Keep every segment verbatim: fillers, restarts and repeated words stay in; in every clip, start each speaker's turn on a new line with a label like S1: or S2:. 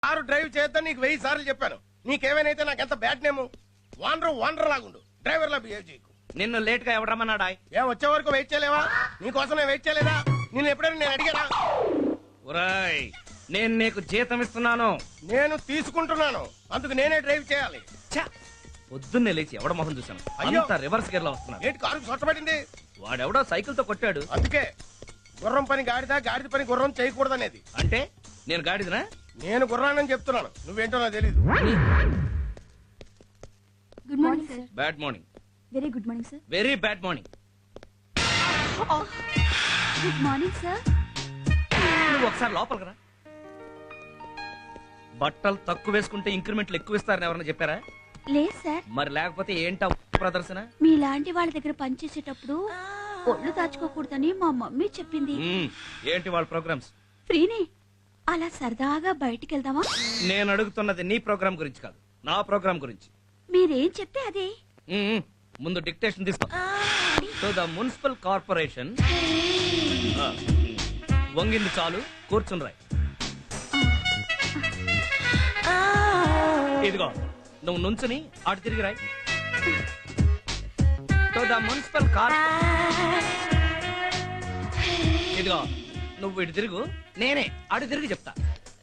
S1: Car drive చేద్దాం నీకు వెయ్యి సార్లు చెప్పాను. నీకేమైనా నాకు ఎంత బ్యాడ్ నేము. వాండర్ వాండర్ లాగుండు, డ్రైవర్ లా బిహేవ్ చేయకు.
S2: నిన్ను లేట్ గా ఎవడు రమ్మన్నాడా?
S1: ఏం వచ్చే వరకు వెయిట్ చేయలేవా? నీకోసం నేను వెయిట్ చేయలేదా? నేను ఎప్పుడైనా నేను అడిగానా?
S2: ఒరేయ్, నేను నీకు జీతం ఇస్తున్నాను.
S1: నేను తీసుకుంటున్నాను, అందుకు నేనే డ్రైవ్ చేయాలి.
S2: ఛ! పొద్దున్నే లేచి ఎవడ మొహం చూశాను.
S1: అయ్యో!
S2: అంతా రివర్స్ గేర్ లో వస్తున్నాడు.
S1: ఏంటి కారు సొట్టబడింది?
S2: వాడెవడో సైకిల్ తో కొట్టాడు.
S1: అందుకే గుర్రం పని గాడిద, గాడిద పని గుర్రం చేయకూడదనేది.
S2: అంటే నేను గాడిదనా?
S1: నేను గుర్రానని చెప్తున్నాను, నువ్వేంటో నాకు తెలీదు.
S3: Good morning sir.
S2: Bad morning.
S3: Very good morning sir.
S2: Very bad morning.
S3: Good morning sir.
S2: నువ్వు ఒకసారి లోపలికి రా. బట్టలు తక్కువ వేసుకుంటే ఇంక్రిమెంట్లు ఎక్కువ ఇస్తారని ఎవరైనా చెప్పారా?
S3: లేదు సార్.
S2: మరి లేకపోతే ఏంటా ప్రదర్శన?
S3: మీలాంటి వాళ్ళ దగ్గర పనిచేసేటప్పుడు ఒళ్ళు దాచుకోకూడదని మా మమ్మీ చెప్పింది.
S2: మ్మ్. ఏంటి వాళ్ళ ప్రోగ్రామ్స్?
S3: ఫ్రీనే, అలా సరదాగా బయటికి వెళ్దామా?
S2: నేను అడుగుతున్నది నీ ప్రోగ్రామ్ గురించి కాదు, నా ప్రోగ్రామ్ గురించి.
S3: మీరేం చెప్తే అదే.
S2: మ్మ్. ముందు డిక్టేషన్ తీసుకో. To the municipal corporation. వంగింది చాలు, కూర్చుని రాయ్. ఇదిగో నువ్వు నుంచుని అటు తిరిగి రాయ్. టు ద మున్సిపల్ కార్. ఇదిగో నువ్వు ఇటు తిరుగు, నేనే అటు తిరిగి చెప్తా.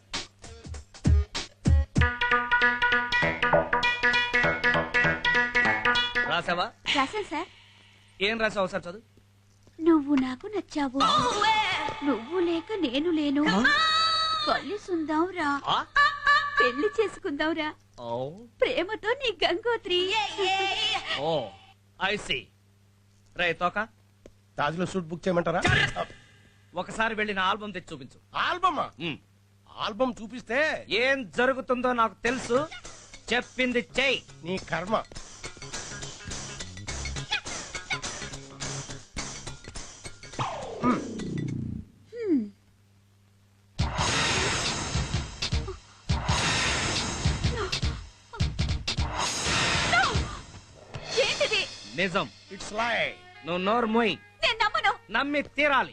S2: రాసావా?
S3: రాశాను సార్.
S2: ఏం రాసావు సార్? చదువు.
S3: నువ్వు నాకు నచ్చావు, నువ్వు లేక నేను లేను, కలిసుందాం రా,
S2: ఆ?
S3: పెళ్లి చేసుకుందాం రా,
S2: ఓ
S3: ప్రేమతో నీ గంగోత్రి.
S2: Oh I see. రే తోక,
S1: తాజ్లో సూట్ బుక్ చేయమంటారా?
S2: ఒకసారి వెళ్ళి నా ఆల్బమ్ తెచ్చి చూపించు.
S1: ఆల్బమ్
S2: మ్మ్.
S1: ఆల్బమ్ చూపిస్తే
S2: ఏం జరుగుతుందో నాకు తెలుసు, చెప్పింది చెయ్యి.
S1: నీ కర్మ.
S3: ఏంటిది?
S2: నిజం.
S1: ఇట్స్ లై.
S2: నువ్వు నోరు మోయి.
S3: నేను నమ్మను.
S2: నమ్మి తీరాలి.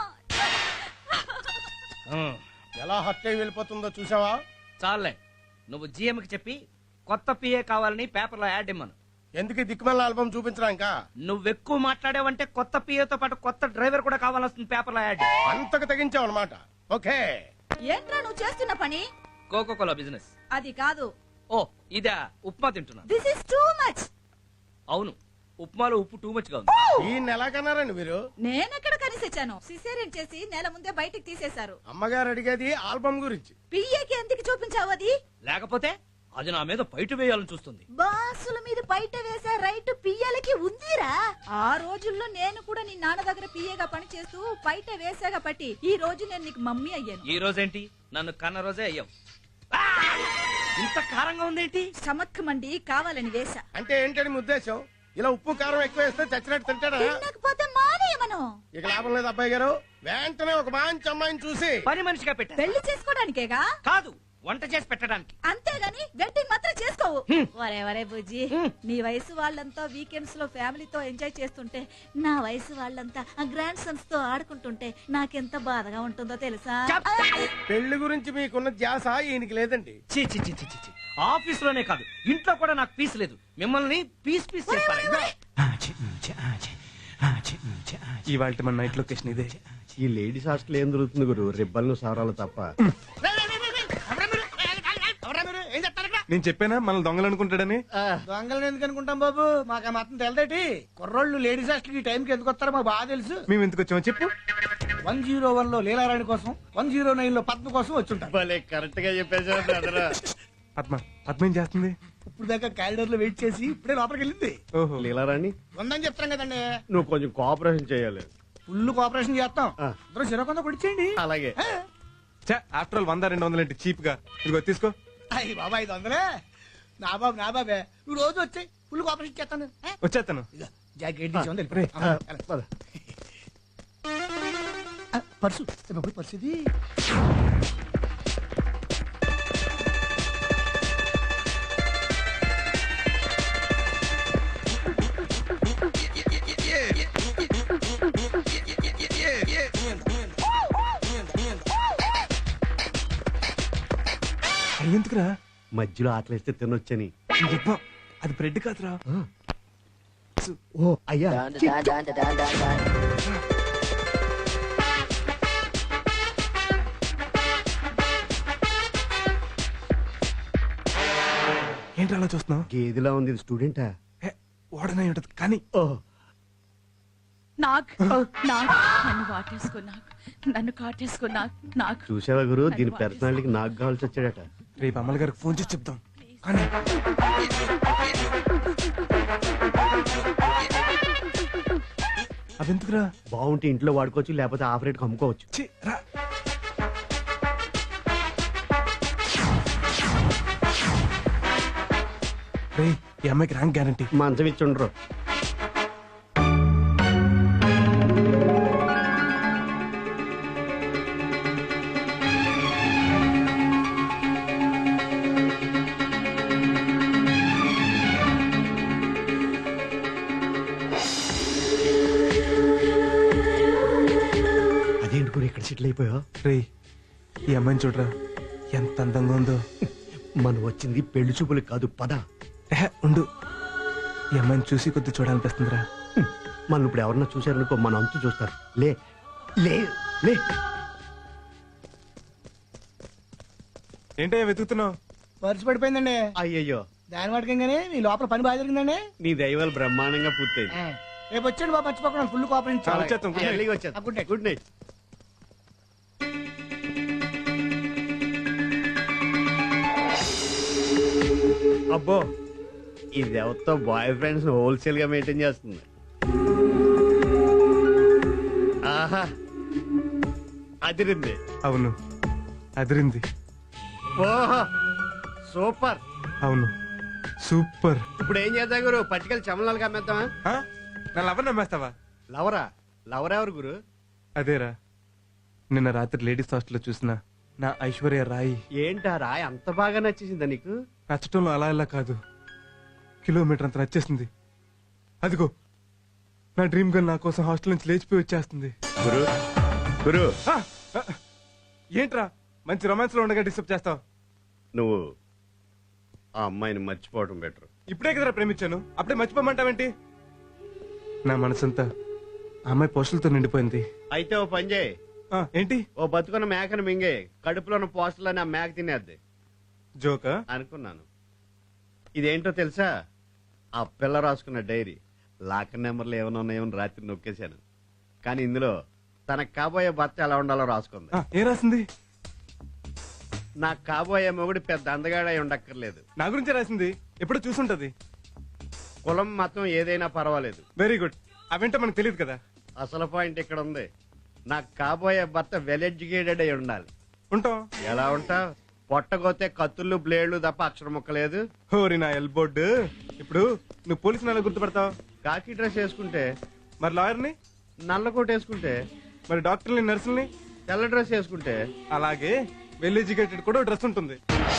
S2: మ్మ్.
S1: ఎలా హత్య వెళ్ళిపోతుందో చూసావా?
S2: చాలే, నువ్వు జీఎం కి చెప్పి కొత్త పిఏ కావాలని పేపర్లో యాడ్ ఇమ్మను.
S1: ఎందుకు ఈ దిక్కుమల్ల ఆల్బమ్ చూపించడానికా?
S2: నువ్వెక్కువ మాట్లాడావంటే కొత్త పిఏతో పాటు కొత్త డ్రైవర్ కూడా కావాల్సింది పేపర్లో యాడ్.
S1: అంతకు తెగించావు అనమాట. ఓకే.
S4: ఏంట్రా నువ్వు చేస్తున్న పని?
S2: Coca Cola business.
S4: అది కాదు.
S2: ఓ ఇదా? ఉప్మా తింటున్నా.
S4: This is too much.
S2: అవును, ఉప్మాలో ఉప్పు టూ మచ్ గా ఉంది.
S1: ఈయన ఎలా కన్నారండి మీరు?
S4: నేనెక్కడ కనిసొచ్చాను? సిసేరియన్ చేసి నెల ముందే బయటికి తీసేశారు.
S1: అమ్మగారు అడిగేది ఆల్బమ్ గురించి.
S4: పియ్యకి ఎందుకు చూపించావు అది?
S2: లేకపోతే అది నా మీద బయట వేయాలని చూస్తుంది.
S4: బాసుల మీద బయట వేసే రైట్ పియ్యలకి ఉందిరా. ఆ రోజుల్లో నేను కూడా నీ నాన్న దగ్గర పియ్యగా పని చేస్తూ బయట వేసాగా పట్టి ఈ రోజు నేను నీకు మమ్మీ అయ్యాను.
S2: ఈ రోజేంటి? నన్ను కన్న రోజే అయ్యావు. ఆ! ఇంత కారంగా ఉందేంటి?
S4: స్టమక్ మండి కావాలని వేసా.
S1: అంటే ఏంటని మీ ఉద్దేశం? ఇలా ఉప్పు కారం ఎక్కువ వేస్తే చచ్చినట్టు తింటాడా?
S4: తినకపోతే మానేయమను.
S1: ఇక లాభం లేదు అబ్బాయి గారు. వెంటనే ఒక మంచి అమ్మాయిని చూసి
S2: పని మనిషిగా పెట్టా.
S4: పెళ్లి చేసుకోవడానికేగా?
S2: కాదు, వంట చేసి పెట్టడానికి.
S4: అంతేగాని వెడ్డింగ్ మాత్రం చేసుకోవు.
S2: హ్మ్.
S4: వరే వరే బుజ్జి,
S2: హ్మ్.
S4: నీ వయసు వాళ్ళంతా వీకెండ్స్ లో ఫ్యామిలీతో ఎంజాయ్ చేస్తుంటే నా వయసు వాళ్ళంతా ఆ గ్రాండ్ సన్స్ తో ఆడుకుంటుంటే నాకెంత బాధగా ఉంటుందో తెలుసా?
S2: చెప్.
S1: పెళ్లి గురించి మీకున్న ధ్యాస ఈయనకి లేదండి.
S2: ఛీ, ఛీ, ఛీ, ఛీ, ఛీ, ఛీ. ఆఫీస్ లోనే కాదు, ఇంట్లో కూడా నాకు పీస్ లేదు. మిమ్మల్ని పీస్ పీస్ చేస్తాను.
S5: ఇవాళ మన నైట్ లొకేషన్ ఇదే.
S6: ఈ లేడీస్ హాస్టల్ ఏం దొరుకుతుంది గురు? రిబ్బన్లు సారాలు తప్ప.
S5: నేను చెప్పానా మనల్ని దొంగలు అనుకుంటాడని.
S7: దొంగలను ఎందుకు అనుకుంటాం బాబు? మాకు ఆ మాత్రం తెలదేటి. కుర్రోళ్ళు లేడీస్ హాస్టల్ ఈ టైంకి ఎందుకు వస్తారో మాకు బాగా తెలుసు.
S5: మేము ఎందుకు వచ్చామో చెప్పు.
S7: వన్ జీరో వన్ లో లీలారాణి కోసం, వన్ జీరో నైన్ లో పద్మ కోసం వచ్చుంటారు.
S6: భలే కరెక్ట్ గా చెప్పేసారు.
S5: పద్మ పద్మ ఏం చేస్తుంది?
S7: ఇప్పుడు దాకా క్యారిడర్ లో వెయిట్ చేసి ఇప్పుడే లోపలికి వెళ్ళింది.
S5: ఓహో.
S6: లీలారాణి,
S7: ఉందని చెప్తాం కదండి.
S6: నువ్వు కొంచెం కోఆపరేషన్ చేయాలి.
S7: ఫుల్ కోఆపరేషన్ చేస్తాం.
S6: ఆ.
S7: ఇద్దరు సిరకొంద కొడిచేయండి.
S6: అలాగే.
S5: ఆఫ్టర్ ఆల్ వంద రెండు వందలు ఏంటి చీప్ గా? ఇదిగో తీసుకో.
S7: అయ్యి బాబా ఐదు వందలే. నా బాబు నా బాబే, నువ్వు రోజు వచ్చాయి ఫుల్ కోఆపరేషన్ చేస్తాను.
S5: వచ్చేస్తాను.
S7: జాకెట్ తీసి ఉంది.
S6: రే,
S7: ఆ,
S6: ఆ, పద.
S7: ఆ, పర్సు బాబు పర్సు ఇది.
S5: చెయ్యి ఎందుకురా?
S6: మధ్యలో ఆకలిస్తే తినొచ్చని.
S5: చెప్పా అది బ్రెడ్ కాదురా.
S6: ఓ అయ్యా,
S5: ఏంటి అలా చూస్తున్నావు?
S6: గేదిలా ఉంది, ఇది స్టూడెంటా?
S5: ఓడనే ఉంటది కానీ.
S6: ఓహ్,
S3: నాకు నాకు నన్ను వాటేసుకో, నాకు నన్ను కాటేసుకో, నాకు నాకు
S6: చూసావా గురు, దీని పర్సనాలిటీకి నాకు కావాల్సి వచ్చాడట.
S5: రేపు అమ్మల గారికి ఫోన్ చేసి చెప్తాం. కానీ అవెందుకురా?
S6: బాగుంటే ఇంట్లో వాడుకోవచ్చు, లేకపోతే ఆఫ్ రేట్ అమ్ముకోవచ్చు.
S5: ఛీ, రా. రేయ్, ఈ అమ్మాయికి ర్యాంక్ గ్యారంటీ.
S6: మంచం ఇచ్చి ఉండరు. అదేంటి గురు ఇక్కడ సెటిల్ అయిపోయా?
S5: రేయ్, ఈ అమ్మాయిని చూడరా ఎంత అందంగా ఉందో.
S6: మనం వచ్చింది పెళ్లి చూపులకు కాదు, పద.
S5: ఏహే, ఉండు. ఈ అమ్మాయిని చూసి కొద్ది చూడాలనిపిస్తుందిరా.
S6: హ్మ్. మనం ఇప్పుడు ఎవరన్నా చూశారనుకో, మన అంతు చూస్తారు. లే లే లే.
S5: ఏంటయ్యా వెతుకుతున్నావు?
S7: పర్సు పడిపోయిందండి.
S6: అయ్యయ్యో,
S7: దాని వాటికంగానే మీ లోపల పని బాగా జరిగిందండి.
S6: నీ దైవాలు బ్రహ్మాండంగా పూర్తయింది.
S7: ఆ, రేపు వచ్చాడు బాబు, మర్చిపోకుండా ఫుల్ కోఆపరేషన్
S5: చాలా వచ్చేస్తాం. Good night.
S6: ఎర్లీగా వచ్చేది.
S7: Good night.
S6: Good night. అబ్బో, ఇది ఎవరితో బాయ్ ఫ్రెండ్స్ హోల్సేల్ గా మెయింటైన్ చేస్తుంది. ఆహా, అదిరింది.
S5: అవును, అదిరింది.
S6: ఓహో, సూపర్.
S5: అవును, సూపర్.
S6: ఇప్పుడు ఏం చేద్దాం గురు, పట్టుకెళ్ళి చమలాలుగా అమ్మేద్దామా?
S5: ఆ? నా లవర్ నమ్మేస్తావా?
S6: లవరా? లవర్ ఎవరు గురు?
S5: అదేరా, నిన్న రాత్రి లేడీస్ హాస్టల్లో చూసిన నా ఐశ్వర్య రాయి.
S6: ఏంటారా అంత బాగా నచ్చేసిందా నీకు?
S5: నచ్చటంలో అలా ఇలా కాదు, కిలోమీటర్ అంత నచ్చేసింది. అదిగో నా డ్రీమ్ గర్ల్ నా కోసం హాస్టల్ నుంచి లేచిపోయి వచ్చేస్తుంది.
S6: గురు గురు
S5: ఆ! ఆ! ఏంట్రా మంచి రొమాన్స్ లో ఉండగా డిస్టర్బ్ చేస్తావు?
S6: నువ్వు ఆ అమ్మాయిని మర్చిపోవడం బెటర్.
S5: ఇప్పుడే కదరా ప్రేమించాను, అప్పుడే మర్చిపోమంటావేంటి? నా మనసంతా ఆ అమ్మాయి పోస్టులతో నిండిపోయింది.
S6: అయితే ఓ పని చేయి,
S5: ఆ, ఏంటి?
S6: ఓ బతుకున్న మేకను మింగే, కడుపులో ఉన్న పోస్టులని ఆ మేక తినేద్ది.
S5: జోకా?
S6: అనుకున్నాను. ఇదేంటో తెలుసా? ఆ పిల్ల రాసుకున్న డైరీ. లాకర్ నెంబర్లు ఏమైనా ఉన్నాయేమో రాత్రి నొక్కేశాను, కానీ ఇందులో తనకు కాబోయే భర్త ఎలా ఉండాలో రాసుకుంది.
S5: ఆ, ఏం రాసింది?
S6: నాకు కాబోయే మొగుడు పెద్ద అందగాడై ఉండక్కర్లేదు,
S5: నా గురించి రాసింది. ఎప్పుడో చూసుంటది.
S6: కులం మతం ఏదైనా పర్వాలేదు.
S5: Very good. అవేంటో మనకు తెలియదు కదా.
S6: అసలు పాయింట్ ఇక్కడ ఉంది. నాకు కాబోయే భర్త వెల్ ఎడ్యుకేటెడ్ అయి ఉండాలి.
S5: ఉంటాం.
S6: ఎలా ఉంటా? పొట్టగోతే కత్తుళ్ళు బ్లేడ్లు తప్ప అక్షరం ముక్కలేదు.
S5: హోరి నా ఎల్బోర్డ్. ఇప్పుడు నువ్వు పోలీసు నెల గుర్తుపడతావు.
S6: కాకి డ్రెస్ వేసుకుంటే,
S5: మరి లాయర్ని,
S6: నల్ల కోట్ వేసుకుంటే,
S5: మరి డాక్టర్ని, నర్సుల్ని,
S6: తెల్ల డ్రెస్ వేసుకుంటే,
S5: అలాగే వెల్ ఎడ్యుకేటెడ్ కూడా డ్రెస్ ఉంటుంది.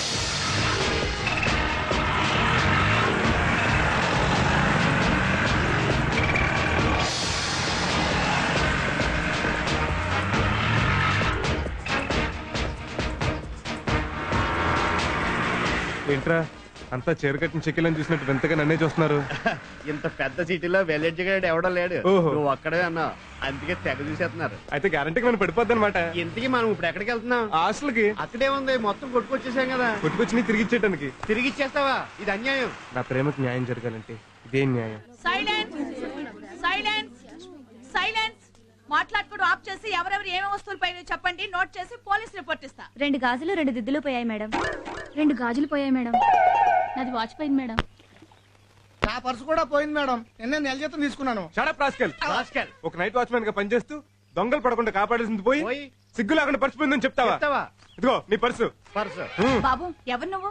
S5: ఏంట్రా అంతా చీరకట్టిన చెక్కిలని చూసినట్టు వింతగా నన్నే చూస్తున్నారు.
S6: ఇంత పెద్ద సిటీలో వెల్ ఎడ్యుకేటెడ్ ఎవడో లేడు.
S5: ఓహో.
S6: నువ్వు అక్కడే అన్నావు, అందుకే తెగ చూసేస్తున్నారు.
S5: అయితే గ్యారంటీకి మనం పడిపోద్ది అనమాట.
S6: ఇంతకీ మనం ఇప్పుడు ఎక్కడికి వెళ్తున్నాం?
S5: హాస్టల్కి.
S6: అక్కడే ఉంది, మొత్తం కొట్టుకొచ్చేసాం కదా.
S5: కొట్టుకొచ్చి తిరిగి ఇచ్చేయడానికి.
S6: తిరిగి ఇచ్చేస్తావా? ఇది అన్యాయం.
S5: నా ప్రేమకు న్యాయం జరగాలంటే ఇదేం న్యాయం?
S4: సైలెన్స్ సైలెన్స్ సైలెన్స్ మాట్లాడుకోవడం ఆఫ్ చేసి ఎవరెవరు ఏమేమి వస్తువులు పైన చెప్పండి, నోట్ చేసి పోలీస్ రిపోర్ట్ ఇస్తా.
S3: రెండు గాజులు రెండు దిద్దులు పోయాయి మేడం. రెండు గాజులు పోయాయి మేడం. నాది వాచ్ పోయింది మేడం.
S7: నా పర్సు కూడా పోయింది మేడం. నిన్న నెల జీతం తీసుకున్నాను.
S5: Shut up rascal.
S6: రాస్కెల్.
S5: ఒక నైట్ వాచ్మెన్ గా పనిచేస్తూ దొంగలు పడకుండా కాపాడాల్సింది పోయి
S6: పోయి
S5: సిగ్గు లేకుండా పర్చిపోయిందని చెప్తావా?
S6: చెప్తావా?
S5: ఇదిగో నీ పర్సు.
S6: పర్సు.
S4: బాబు ఎవరు నువ్వు?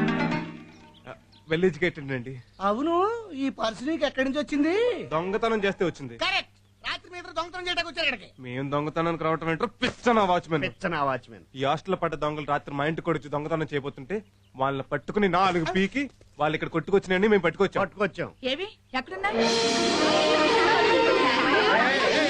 S5: వెల్ ఎడ్యుకేటెడ్ అండి.
S7: అవును, ఈ పర్సు నీకు ఎక్కడి నుంచి వచ్చింది?
S5: దొంగతనం చేస్తే వచ్చింది.
S7: కరెక్ట్. రాత్రి మీద దొంగతనం చేయడానికి వచ్చారు ఇక్కడికి.
S5: మేము దొంగతనానికి రావటం ఏంటో పిచ్చన వాచ్మెన్.
S6: పిచ్చనా వాచ్మెన్.
S5: ఈ హాస్టల్ పడ్డ దొంగలు రాత్రి మా ఇంటికి వచ్చి దొంగతనం చేయబోతుంటే వాళ్ళని పట్టుకుని నాలుగు పీకి వాళ్ళు ఇక్కడ కొట్టుకొచ్చినాయని మేము పట్టుకొచ్చాం.
S6: పట్టుకొచ్చాం.
S4: ఏవి ఎక్కడున్నా?